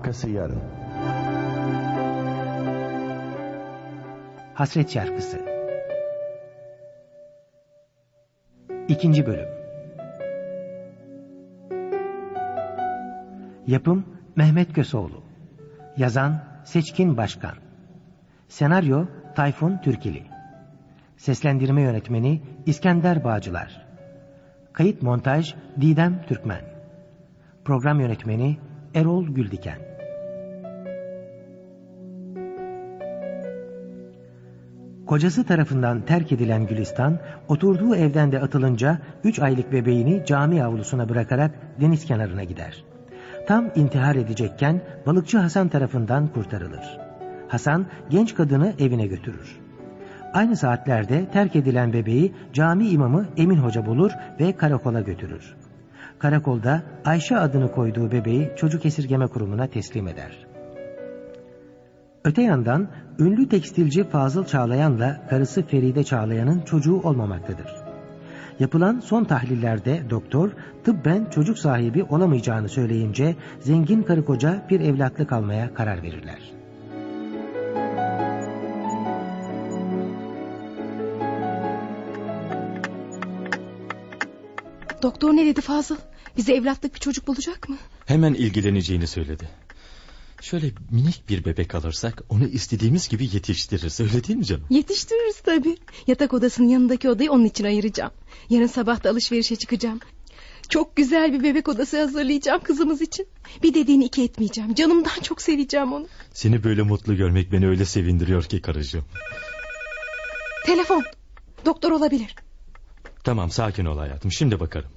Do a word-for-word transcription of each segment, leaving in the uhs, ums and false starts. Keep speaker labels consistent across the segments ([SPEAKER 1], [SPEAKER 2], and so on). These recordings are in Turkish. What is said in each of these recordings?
[SPEAKER 1] Arkası yarın.
[SPEAKER 2] Hasret Şarkısı İkinci Bölüm. Yapım Mehmet Köseoğlu. Yazan Seçkin Başkan. Senaryo Tayfun Türkili. Seslendirme yönetmeni İskender Bağcılar. Kayıt montaj Didem Türkmen. Program yönetmeni Erol Güldiken. Kocası tarafından terk edilen Gülistan, oturduğu evden de atılınca üç aylık bebeğini cami avlusuna bırakarak deniz kenarına gider. Tam intihar edecekken balıkçı Hasan tarafından kurtarılır. Hasan genç kadını evine götürür. Aynı saatlerde terk edilen bebeği cami imamı Emin Hoca bulur ve karakola götürür. Karakolda Ayşe adını koyduğu bebeği çocuk esirgeme kurumuna teslim eder. Öte yandan ünlü tekstilci Fazıl Çağlayan'la karısı Feride Çağlayan'ın çocuğu olmamaktadır. Yapılan son tahlillerde doktor tıbben çocuk sahibi olamayacağını söyleyince zengin karı koca bir evlatlık almaya karar verirler.
[SPEAKER 3] Doktor ne dedi Fazıl? Bize evlatlık bir çocuk bulacak mı?
[SPEAKER 4] Hemen ilgileneceğini söyledi. Şöyle minik bir bebek alırsak onu istediğimiz gibi yetiştiririz, öyle değil mi canım?
[SPEAKER 3] Yetiştiririz tabii. Yatak odasının yanındaki odayı onun için ayıracağım. Yarın sabah da alışverişe çıkacağım. Çok güzel bir bebek odası hazırlayacağım kızımız için. Bir dediğini iki etmeyeceğim. Canımdan çok seveceğim onu.
[SPEAKER 4] Seni böyle mutlu görmek beni öyle sevindiriyor ki karıcığım.
[SPEAKER 3] Telefon. Doktor olabilir.
[SPEAKER 4] Tamam, sakin ol hayatım, şimdi bakarım.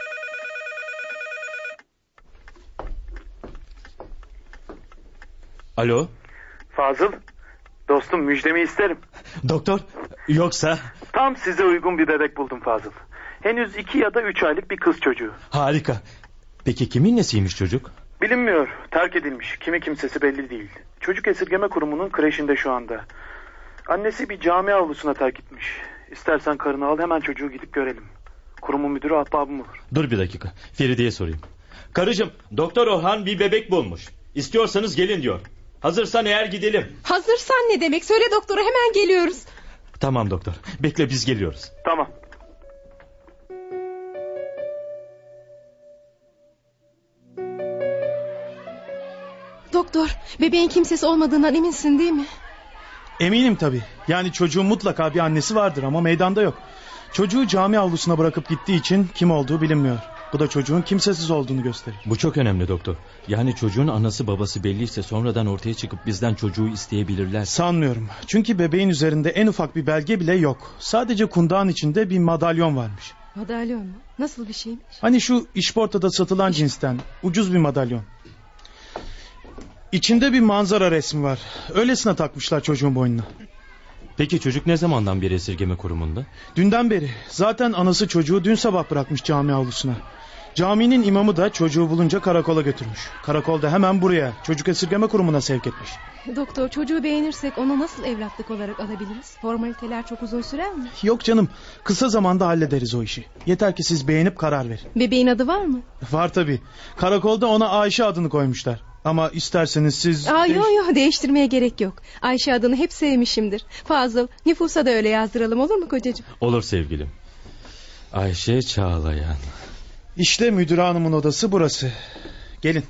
[SPEAKER 4] Alo.
[SPEAKER 5] Fazıl, dostum, müjdemi isterim.
[SPEAKER 4] Doktor, yoksa?
[SPEAKER 5] Tam size uygun bir bebek buldum Fazıl. Henüz iki ya da üç aylık bir kız çocuğu.
[SPEAKER 4] Harika. Peki kimin nesiymiş çocuk?
[SPEAKER 5] Bilinmiyor, terk edilmiş. Kimi kimsesi belli değil. Çocuk esirgeme kurumunun kreşinde şu anda. Annesi bir cami avlusuna terk etmiş. İstersen karını al, hemen çocuğu gidip görelim. Kurumun müdürü ahbabım olur.
[SPEAKER 4] Dur bir dakika, Feride'ye sorayım. Karıcığım, Doktor Orhan bir bebek bulmuş. İstiyorsanız gelin diyor. Hazırsan eğer gidelim.
[SPEAKER 3] Hazırsan ne demek? Söyle doktora, hemen geliyoruz.
[SPEAKER 4] Tamam doktor, bekle, biz geliyoruz.
[SPEAKER 5] Tamam.
[SPEAKER 3] Doktor, bebeğin kimsesi olmadığından eminsin değil mi?
[SPEAKER 6] Eminim tabii. Yani çocuğun mutlaka bir annesi vardır ama meydanda yok. Çocuğu cami avlusuna bırakıp gittiği için kim olduğu bilinmiyor. Bu da çocuğun kimsesiz olduğunu gösterir.
[SPEAKER 4] Bu çok önemli doktor. Yani çocuğun anası babası belliyse sonradan ortaya çıkıp bizden çocuğu isteyebilirler.
[SPEAKER 6] Sanmıyorum. Çünkü bebeğin üzerinde en ufak bir belge bile yok. Sadece kundağın içinde bir madalyon varmış.
[SPEAKER 3] Madalyon mu? Nasıl bir şeymiş?
[SPEAKER 6] Hani şu işportada satılan cinsten ucuz bir madalyon. İçinde bir manzara resmi var. Öylesine takmışlar çocuğun boynuna.
[SPEAKER 4] Peki çocuk ne zamandan beri esirgeme kurumunda?
[SPEAKER 6] Dünden beri. Zaten anası çocuğu dün sabah bırakmış cami avlusuna. Caminin imamı da çocuğu bulunca karakola götürmüş. Karakolda hemen buraya, çocuk esirgeme kurumuna sevk etmiş.
[SPEAKER 3] Doktor, çocuğu beğenirsek onu nasıl evlatlık olarak alabiliriz? Formaliteler çok uzun sürer mi?
[SPEAKER 6] Yok canım, kısa zamanda hallederiz o işi. Yeter ki siz beğenip karar verin.
[SPEAKER 3] Bebeğin adı var mı?
[SPEAKER 6] Var tabii. Karakolda ona Ayşe adını koymuşlar. Ama isterseniz siz...
[SPEAKER 3] Aa,
[SPEAKER 6] değiş...
[SPEAKER 3] Yok yok, değiştirmeye gerek yok. Ayşe adını hep sevmişimdir. Fazıl, nüfusa da öyle yazdıralım, olur mu kocacığım?
[SPEAKER 4] Olur sevgilim. Ayşe Çağlayan.
[SPEAKER 6] İşte müdür hanımın odası burası. Gelin.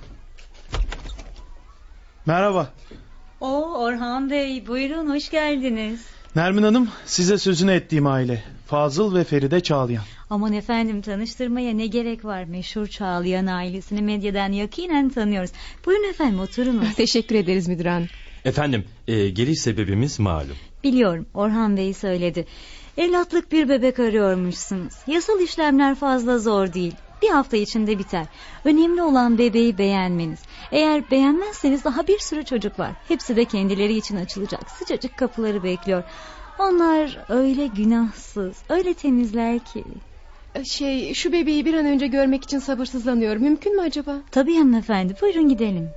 [SPEAKER 6] Merhaba.
[SPEAKER 7] Oo, Orhan Bey, buyurun, hoş geldiniz.
[SPEAKER 6] Nermin Hanım, size sözünü ettiğim aile. Fazıl ve Feride Çağlayan.
[SPEAKER 7] Aman efendim, tanıştırmaya ne gerek var? Meşhur Çağlayan ailesini medyadan yakinen tanıyoruz. Buyurun efendim, oturunuz.
[SPEAKER 3] Teşekkür ederiz müdür hanım.
[SPEAKER 4] Efendim, e, geliş sebebimiz malum.
[SPEAKER 7] Biliyorum, Orhan Bey söyledi. Evlatlık bir bebek arıyormuşsunuz. Yasal işlemler fazla zor değil. Bir hafta içinde biter. Önemli olan bebeği beğenmeniz. Eğer beğenmezseniz daha bir sürü çocuk var. Hepsi de kendileri için açılacak sıcacık kapıları bekliyor. Onlar öyle günahsız, öyle temizler ki.
[SPEAKER 3] Şey, şu bebeği bir an önce görmek için sabırsızlanıyorum. Mümkün mü acaba?
[SPEAKER 7] Tabii hanımefendi, buyurun gidelim.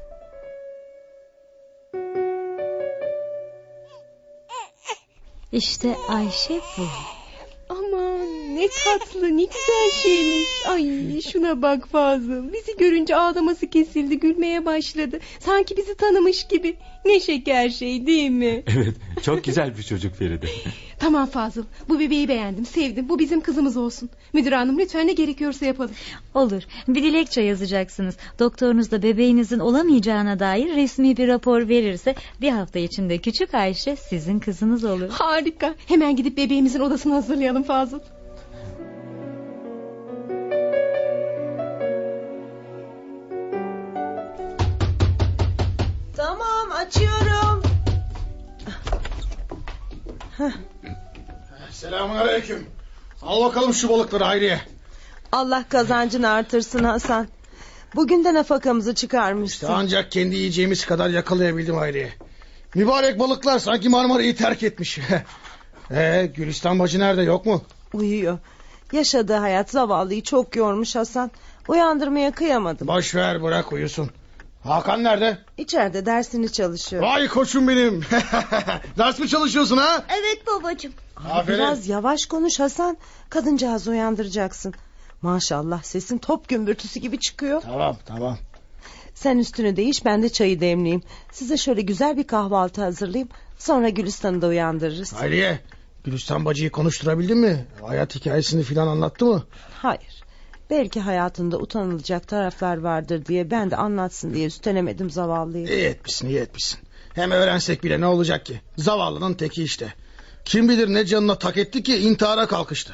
[SPEAKER 7] İşte Ayşe bu.
[SPEAKER 3] Aman ne tatlı, ne güzel şeymiş. Ay şuna bak Fazıl. Bizi görünce ağlaması kesildi, gülmeye başladı. Sanki bizi tanımış gibi. Ne şeker şey değil mi?
[SPEAKER 4] Evet, çok güzel bir çocuk Feride.
[SPEAKER 3] Tamam Fazıl, bu bebeği beğendim, sevdim. Bu bizim kızımız olsun. Müdür hanım lütfen ne gerekiyorsa yapalım.
[SPEAKER 7] Olur. Bir dilekçe yazacaksınız. Doktorunuz da bebeğinizin olamayacağına dair resmi bir rapor verirse bir hafta içinde küçük Ayşe sizin kızınız olur.
[SPEAKER 3] Harika. Hemen gidip bebeğimizin odasını hazırlayalım Fazıl.
[SPEAKER 1] Tamam, açıyorum.
[SPEAKER 8] Selamünaleyküm. Al bakalım şu balıkları Hayriye.
[SPEAKER 1] Allah kazancını artırsın Hasan. Bugün de nafakamızı çıkarmışsın.
[SPEAKER 8] İşte ancak kendi yiyeceğimiz kadar yakalayabildim Hayriye. Mübarek balıklar sanki Marmara'yı terk etmiş. Ee, Gülistan bacı nerede, yok mu?
[SPEAKER 1] Uyuyor. Yaşadığı hayat zavallıyı çok yormuş Hasan. Uyandırmaya kıyamadım.
[SPEAKER 8] Boş ver, bırak uyusun. Hakan nerede?
[SPEAKER 1] İçeride dersini çalışıyor.
[SPEAKER 8] Vay koçum benim. Ders mi çalışıyorsun ha?
[SPEAKER 9] Evet babacığım.
[SPEAKER 8] Aferin.
[SPEAKER 1] Biraz yavaş konuş Hasan. Kadıncağızı uyandıracaksın. Maşallah sesin top gümbürtüsü gibi çıkıyor.
[SPEAKER 8] Tamam tamam.
[SPEAKER 1] Sen üstünü değiş, ben de çayı demleyeyim. Size şöyle güzel bir kahvaltı hazırlayayım. Sonra Gülistan'ı da uyandırırız.
[SPEAKER 8] Hayriye, Gülistan bacıyı konuşturabildin mi? Hayat hikayesini filan anlattı mı?
[SPEAKER 1] Hayır. Belki hayatında utanılacak taraflar vardır diye ben de anlatsın diye üstelemedim zavallıyı.
[SPEAKER 8] İyi etmişsin, iyi etmişsin. Hem öğrensek bile ne olacak ki? Zavallının teki işte. Kim bilir ne canına tak etti ki intihara kalkıştı.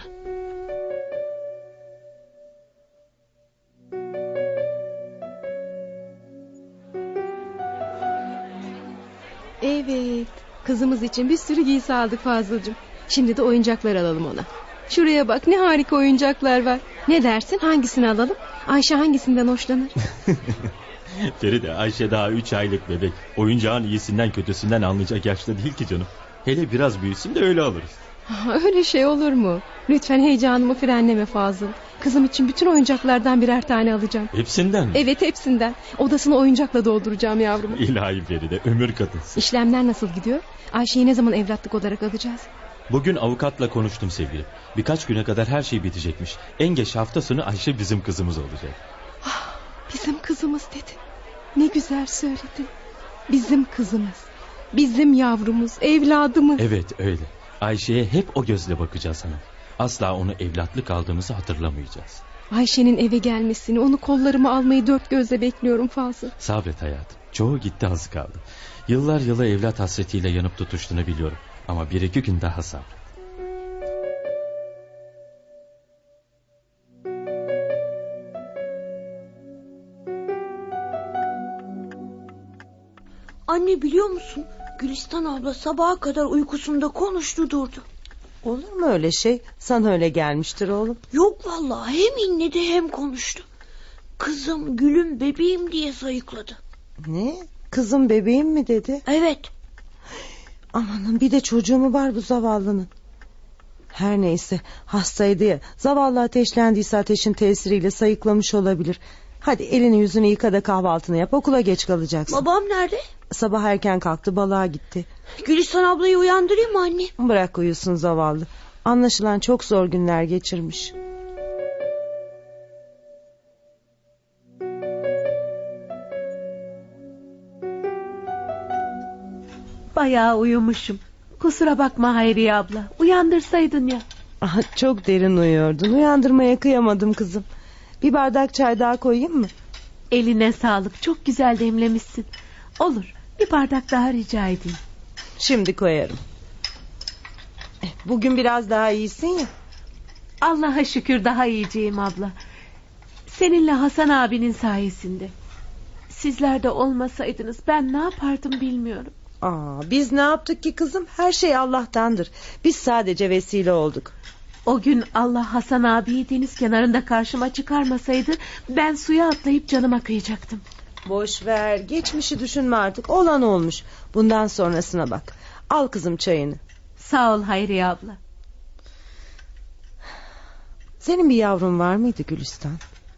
[SPEAKER 3] Evet, kızımız için bir sürü giysi aldık Fazılcığım. Şimdi de oyuncaklar alalım ona. Şuraya bak, ne harika oyuncaklar var. Ne dersin, hangisini alalım? Ayşe hangisinden hoşlanır?
[SPEAKER 4] Feride, Ayşe daha üç aylık bebek. Oyuncağın iyisinden kötüsünden anlayacak yaşta değil ki canım. Hele biraz büyüsün de öyle alırız.
[SPEAKER 3] Öyle şey olur mu? Lütfen heyecanımı frenleme Fazıl. Kızım için bütün oyuncaklardan birer tane alacağım.
[SPEAKER 4] Hepsinden mi?
[SPEAKER 3] Evet, hepsinden. Odasını oyuncakla dolduracağım yavrumu.
[SPEAKER 4] İlahi Feride, ömür kadınsın.
[SPEAKER 3] İşlemler nasıl gidiyor? Ayşe'yi ne zaman evlatlık olarak alacağız?
[SPEAKER 4] Bugün avukatla konuştum sevgilim. Birkaç güne kadar her şey bitecekmiş. En geç hafta sonu Ayşe bizim kızımız olacak.
[SPEAKER 3] Ah, bizim kızımız dedi. Ne güzel söyledin. Bizim kızımız. Bizim yavrumuz, evladımız.
[SPEAKER 4] Evet öyle. Ayşe'ye hep o gözle bakacağız hanım. Asla onu evlatlık aldığımızı hatırlamayacağız.
[SPEAKER 3] Ayşe'nin eve gelmesini, onu kollarıma almayı dört gözle bekliyorum Fazıl.
[SPEAKER 4] Sabret hayatım. Çoğu gitti, az kaldı. Yıllar yılı evlat hasretiyle yanıp tutuştuğunu biliyorum. Ama bir iki gün daha sabret.
[SPEAKER 9] Anne, biliyor musun? Gülistan abla sabaha kadar uykusunda konuştu durdu.
[SPEAKER 1] Olur mu öyle şey? Sana öyle gelmiştir oğlum.
[SPEAKER 9] Yok vallahi, hem inledi hem konuştu. Kızım, gülüm, bebeğim diye sayıkladı.
[SPEAKER 1] Ne? Kızım bebeğim mi dedi?
[SPEAKER 9] Evet.
[SPEAKER 1] Amanın, bir de çocuğu mu var bu zavallının? Her neyse, hastaydı ya. Zavallı ateşlendiyse ateşin tesiriyle sayıklamış olabilir. Hadi elini yüzünü yıka da kahvaltını yap, okula geç kalacaksın.
[SPEAKER 9] Babam nerede?
[SPEAKER 1] Sabah erken kalktı, balığa gitti.
[SPEAKER 9] Gülistan ablayı uyandırayım mı anne?
[SPEAKER 1] Bırak uyusun zavallı. Anlaşılan çok zor günler geçirmiş.
[SPEAKER 10] Bayağı uyumuşum. Kusura bakma Hayriye abla. Uyandırsaydın ya.
[SPEAKER 1] Aha, çok derin uyuyordun. Uyandırmaya kıyamadım kızım. Bir bardak çay daha koyayım mı?
[SPEAKER 10] Eline sağlık. Çok güzel demlemişsin. Olur. Bir bardak daha rica edeyim.
[SPEAKER 1] Şimdi koyarım. Bugün biraz daha iyisin ya.
[SPEAKER 10] Allah'a şükür daha iyiciyim abla. Seninle Hasan abinin sayesinde. Sizler de olmasaydınız ben ne yapardım bilmiyorum.
[SPEAKER 1] Aa, biz ne yaptık ki kızım? Her şey Allah'tandır. Biz sadece vesile olduk.
[SPEAKER 10] O gün Allah Hasan abiyi deniz kenarında karşıma çıkarmasaydı ben suya atlayıp canıma kıyacaktım.
[SPEAKER 1] Boş ver, geçmişi düşünme artık. Olan olmuş. Bundan sonrasına bak. Al kızım çayını.
[SPEAKER 10] Sağ ol Hayriye abla.
[SPEAKER 1] Senin bir yavrun var mıydı Gülistan?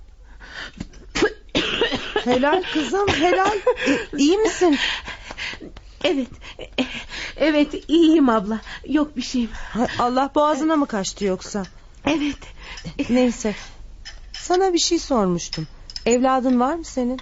[SPEAKER 1] Helal kızım, helal. E, iyi misin?
[SPEAKER 10] Evet, evet iyiyim abla. Yok bir şeyim.
[SPEAKER 1] Allah boğazına mı kaçtı yoksa?
[SPEAKER 10] Evet.
[SPEAKER 1] Neyse. Sana bir şey sormuştum. Evladın var mı senin?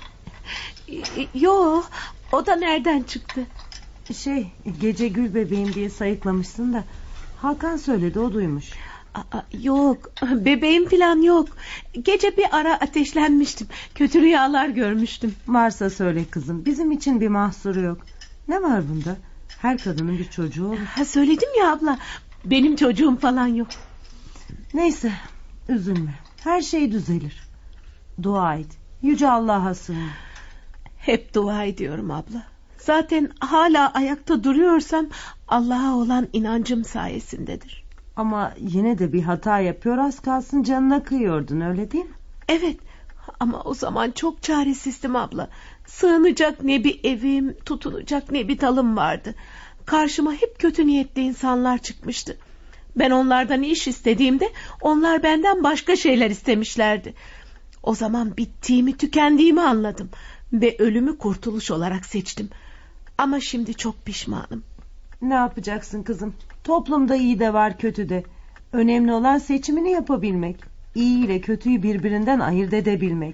[SPEAKER 10] Yo, o da nereden çıktı?
[SPEAKER 1] Şey, gece gül bebeğim diye sayıklamışsın da Hakan söyledi, o duymuş.
[SPEAKER 10] Aa, yok, bebeğim falan yok. Gece bir ara ateşlenmiştim. Kötü rüyalar görmüştüm.
[SPEAKER 1] Varsa söyle kızım, bizim için bir mahsuru yok. Ne var bunda? Her kadının bir çocuğu olur.
[SPEAKER 10] Ha, söyledim ya abla, benim çocuğum falan yok.
[SPEAKER 1] Neyse, üzülme, her şey düzelir. Dua et, yüce Allah'a sığın.
[SPEAKER 10] Hep dua ediyorum abla. Zaten hala ayakta duruyorsam Allah'a olan inancım sayesindedir.
[SPEAKER 1] Ama yine de bir hata yapıyor, az kalsın canına kıyıyordun, öyle değil mi?
[SPEAKER 10] Evet, ama o zaman çok çaresizdim abla. Sığınacak ne bir evim, tutunacak ne bir dalım vardı. Karşıma hep kötü niyetli insanlar çıkmıştı. Ben onlardan iş istediğimde onlar benden başka şeyler istemişlerdi. O zaman bittiğimi, tükendiğimi anladım ve ölümü kurtuluş olarak seçtim. Ama şimdi çok pişmanım.
[SPEAKER 1] Ne yapacaksın kızım? Toplumda iyi de var, kötü de. Önemli olan seçimini yapabilmek. İyi ile kötüyü birbirinden ayırt edebilmek.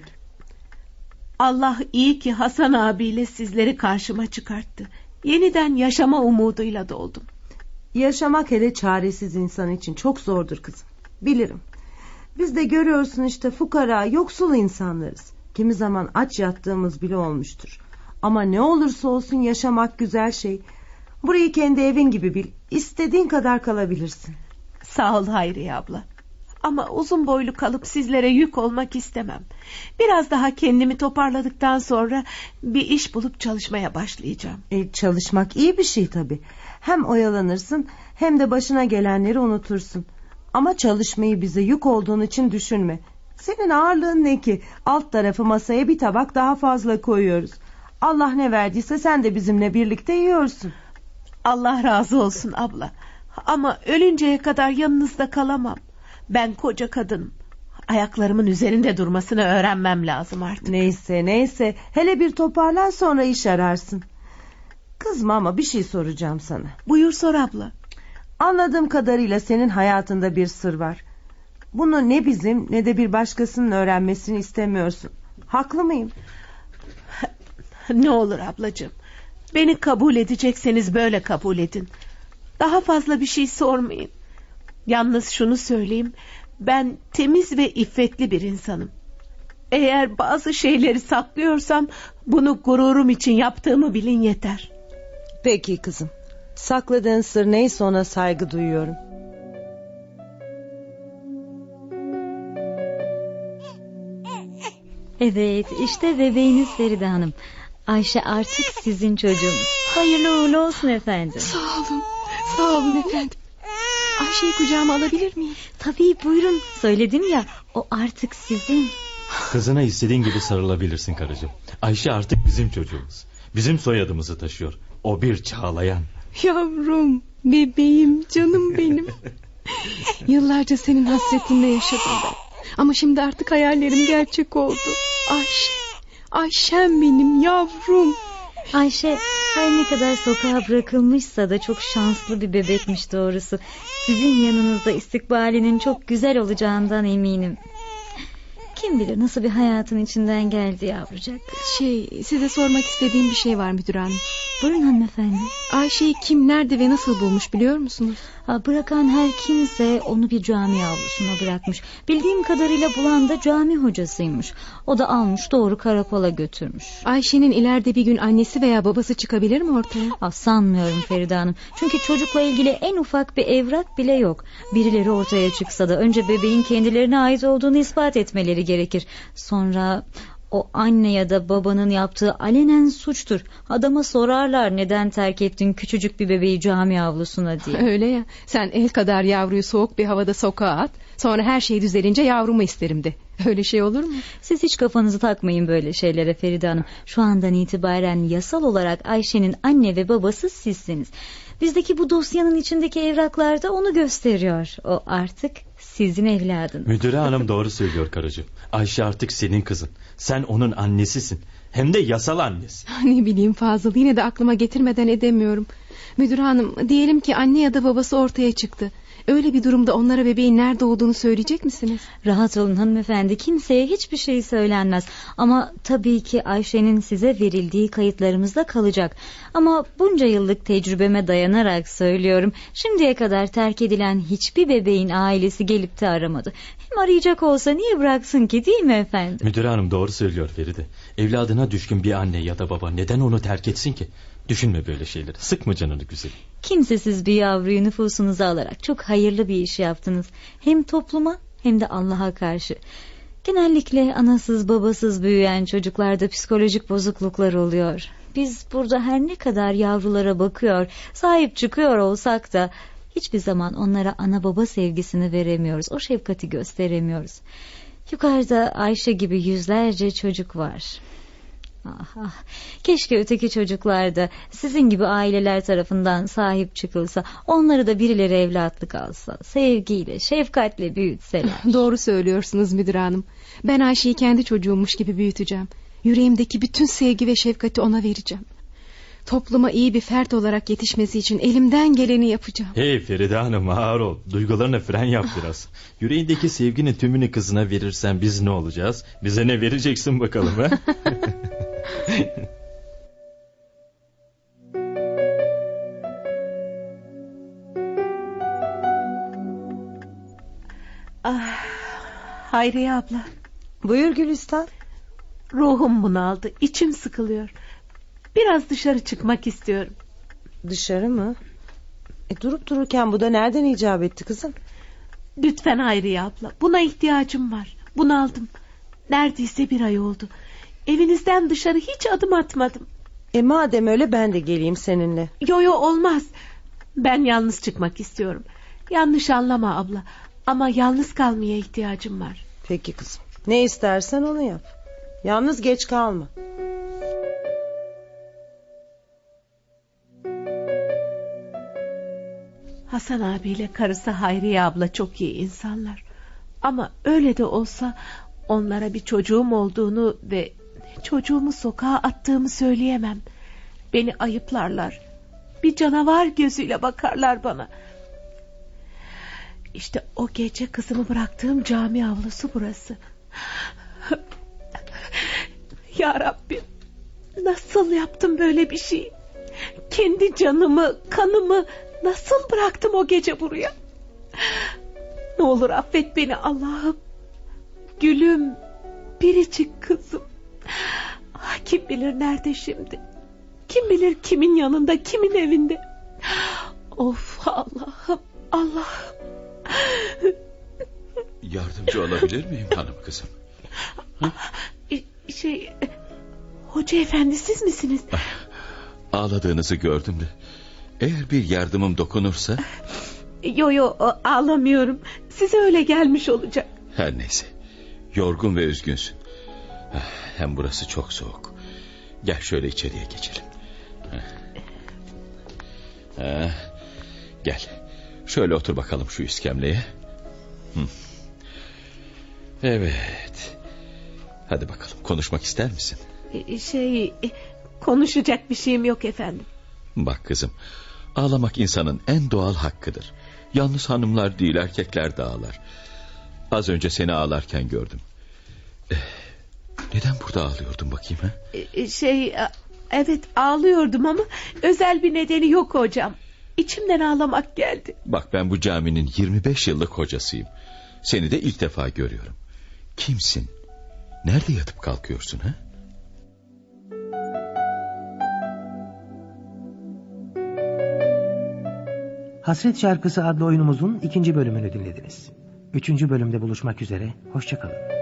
[SPEAKER 10] Allah iyi ki Hasan abiyle sizleri karşıma çıkarttı. Yeniden yaşama umuduyla doldum.
[SPEAKER 1] Yaşamak hele çaresiz insan için çok zordur kızım. Bilirim. Biz de görüyorsun işte, fukara, yoksul insanlarız. Kimi zaman aç yattığımız bile olmuştur. Ama ne olursa olsun yaşamak güzel şey. Burayı kendi evin gibi bil. İstediğin kadar kalabilirsin.
[SPEAKER 10] Sağ ol Hayriye abla. Ama uzun boylu kalıp sizlere yük olmak istemem. Biraz daha kendimi toparladıktan sonra bir iş bulup çalışmaya başlayacağım.
[SPEAKER 1] E, çalışmak iyi bir şey tabii. Hem oyalanırsın hem de başına gelenleri unutursun. Ama çalışmayı bize yük olduğun için düşünme. Senin ağırlığın ne ki? Alt tarafı masaya bir tabak daha fazla koyuyoruz. Allah ne verdiyse sen de bizimle birlikte yiyorsun.
[SPEAKER 10] Allah razı olsun abla. Ama ölünceye kadar yanınızda kalamam. Ben koca kadınım. Ayaklarımın üzerinde durmasını öğrenmem lazım artık.
[SPEAKER 1] Neyse neyse, hele bir toparlan, sonra iş ararsın. Kızma ama bir şey soracağım sana.
[SPEAKER 10] Buyur sor abla.
[SPEAKER 1] Anladığım kadarıyla senin hayatında bir sır var. Bunu ne bizim ne de bir başkasının öğrenmesini istemiyorsun. Haklı mıyım?
[SPEAKER 10] Ne olur ablacığım, beni kabul edecekseniz böyle kabul edin. Daha fazla bir şey sormayın. Yalnız şunu söyleyeyim, ben temiz ve iffetli bir insanım. Eğer bazı şeyleri saklıyorsam bunu gururum için yaptığımı bilin yeter.
[SPEAKER 1] Peki kızım, sakladığın sır neyse ona saygı duyuyorum.
[SPEAKER 7] Evet, işte bebeğiniz Feride Hanım. Ayşe artık sizin çocuğunuz. Hayırlı uğurlu olsun efendim.
[SPEAKER 3] Sağ olun, sağ olun efendim. Ayşe'yi kucağıma alabilir miyim?
[SPEAKER 7] Tabii, buyurun. Söyledim ya, o artık sizin.
[SPEAKER 4] Kızına istediğin gibi sarılabilirsin karıcığım. Ayşe artık bizim çocuğumuz. Bizim soyadımızı taşıyor. O bir Çağlayan.
[SPEAKER 3] Yavrum, bebeğim, canım benim. Yıllarca senin hasretinle yaşadım ben. Ama şimdi artık hayallerim gerçek oldu. Ayşe, Ayşem benim yavrum.
[SPEAKER 7] Ayşe her ne kadar sokağa bırakılmışsa da çok şanslı bir bebekmiş doğrusu. Sizin yanınızda istikbalinin çok güzel olacağından eminim. Kim bilir nasıl bir hayatın içinden geldi yavrucak.
[SPEAKER 3] Şey, size sormak istediğim bir şey var müdür hanım.
[SPEAKER 7] Buyurun hanımefendi.
[SPEAKER 3] Ayşe'yi kim, nerede ve nasıl bulmuş biliyor musunuz?
[SPEAKER 7] Ha, bırakan her kimse onu bir cami avlusuna bırakmış. Bildiğim kadarıyla bulan da cami hocasıymış. O da almış doğru karakola götürmüş.
[SPEAKER 3] Ayşe'nin ileride bir gün annesi veya babası çıkabilir mi ortaya?
[SPEAKER 7] Ha, sanmıyorum Feride Hanım. Çünkü çocukla ilgili en ufak bir evrak bile yok. Birileri ortaya çıksa da önce bebeğin kendilerine ait olduğunu ispat etmeleri gerekir. Sonra o anne ya da babanın yaptığı alenen suçtur. Adama sorarlar neden terk ettin küçücük bir bebeği cami avlusuna diye.
[SPEAKER 3] Öyle ya, sen el kadar yavruyu soğuk bir havada sokağa at, sonra her şey düzelince yavrumu isterim de. Öyle şey olur mu?
[SPEAKER 7] Siz hiç kafanızı takmayın böyle şeylere Feride Hanım. Şu andan itibaren yasal olarak Ayşe'nin anne ve babası sizsiniz. Bizdeki bu dosyanın içindeki evraklar da onu gösteriyor. O artık sizin evladınız.
[SPEAKER 4] Müdüre hanım doğru söylüyor karıcığım. Ayşe artık senin kızın. Sen onun annesisin. Hem de yasal annesi.
[SPEAKER 3] Ne bileyim Fazıl, yine de aklıma getirmeden edemiyorum. Müdür hanım, diyelim ki anne ya da babası ortaya çıktı. Öyle bir durumda onlara bebeğin nerede olduğunu söyleyecek misiniz?
[SPEAKER 7] Rahat olun hanımefendi, kimseye hiçbir şey söylenmez. Ama tabii ki Ayşe'nin size verildiği kayıtlarımızda kalacak. Ama bunca yıllık tecrübeme dayanarak söylüyorum. Şimdiye kadar terk edilen hiçbir bebeğin ailesi gelip de aramadı. Hem arayacak olsa niye bıraksın ki, değil mi efendim?
[SPEAKER 4] Müdür hanım doğru söylüyor Feride. Evladına düşkün bir anne ya da baba neden onu terk etsin ki? Düşünme böyle şeyleri. Sıkma canını güzelim.
[SPEAKER 7] Kimsesiz bir yavruyu nüfusunuza alarak çok hayırlı bir iş yaptınız. Hem topluma hem de Allah'a karşı. Genellikle anasız babasız büyüyen çocuklarda psikolojik bozukluklar oluyor. Biz burada her ne kadar yavrulara bakıyor, sahip çıkıyor olsak da hiçbir zaman onlara ana baba sevgisini veremiyoruz. O şefkati gösteremiyoruz. Yukarıda Ayşe gibi yüzlerce çocuk var. Ah, ah. Keşke öteki çocuklar da sizin gibi aileler tarafından sahip çıkılsa, onları da birileri evlatlık alsa, sevgiyle, şefkatle büyütseler.
[SPEAKER 3] Doğru söylüyorsunuz müdür hanım. Ben Ayşe'yi kendi çocuğummuş gibi büyüteceğim. Yüreğimdeki bütün sevgi ve şefkati ona vereceğim. Topluma iyi bir fert olarak yetişmesi için elimden geleni yapacağım.
[SPEAKER 4] Hey Feride hanım, ağır ol. Duygularına fren yap biraz. Yüreğindeki sevginin tümünü kızına verirsen biz ne olacağız? Bize ne vereceksin bakalım ha?
[SPEAKER 10] Ah, Hayriye abla.
[SPEAKER 1] Buyur Gülistan.
[SPEAKER 10] Ruhum bunaldı, içim sıkılıyor. Biraz dışarı çıkmak istiyorum.
[SPEAKER 1] Dışarı mı? E, durup dururken bu da nereden icap etti kızım?
[SPEAKER 10] Lütfen Hayriye abla, buna ihtiyacım var. Bunaldım. Neredeyse bir ay oldu. Evinizden dışarı hiç adım atmadım.
[SPEAKER 1] E madem öyle ben de geleyim seninle.
[SPEAKER 10] Yo yo olmaz. Ben yalnız çıkmak istiyorum. Yanlış anlama abla. Ama yalnız kalmaya ihtiyacım var.
[SPEAKER 1] Peki kızım. Ne istersen onu yap. Yalnız geç kalma.
[SPEAKER 10] Hasan abiyle karısı Hayriye abla çok iyi insanlar. Ama öyle de olsa onlara bir çocuğum olduğunu ve çocuğumu sokağa attığımı söyleyemem. Beni ayıplarlar. Bir canavar gözüyle bakarlar bana. İşte o gece kızımı bıraktığım cami avlusu burası. Ya Rabbim, nasıl yaptım böyle bir şey? Kendi canımı, kanımı nasıl bıraktım o gece buraya? Ne olur affet beni Allah'ım. Gülüm, biricik kızım. Kim bilir nerede şimdi? Kim bilir kimin yanında, kimin evinde? Of Allah'ım, Allah'ım.
[SPEAKER 11] Yardımcı olabilir miyim hanım kızım?
[SPEAKER 10] Hı? Şey, hoca efendi siz misiniz?
[SPEAKER 11] Ağladığınızı gördüm de. Eğer bir yardımım dokunursa...
[SPEAKER 10] Yo yo ağlamıyorum. Size öyle gelmiş olacak.
[SPEAKER 11] Her neyse. Yorgun ve üzgünsün. Hem burası çok soğuk. Gel şöyle içeriye geçelim. Ha, gel. Şöyle otur bakalım şu iskemleye. Hı. Evet. Hadi bakalım, konuşmak ister misin?
[SPEAKER 10] Şey, konuşacak bir şeyim yok efendim.
[SPEAKER 11] Bak kızım, ağlamak insanın en doğal hakkıdır. Yalnız hanımlar değil, erkekler de ağlar. Az önce seni ağlarken gördüm. Ee, neden burada ağlıyordun bakayım ha?
[SPEAKER 10] Şey, evet ağlıyordum ama özel bir nedeni yok hocam. İçimden ağlamak geldi.
[SPEAKER 11] Bak ben bu caminin yirmi beş yıllık hocasıyım. Seni de ilk defa görüyorum. Kimsin? Nerede yatıp kalkıyorsun ha?
[SPEAKER 2] Hasret Şarkısı adlı oyunumuzun ikinci bölümünü dinlediniz. Üçüncü bölümde buluşmak üzere, hoşça kalın.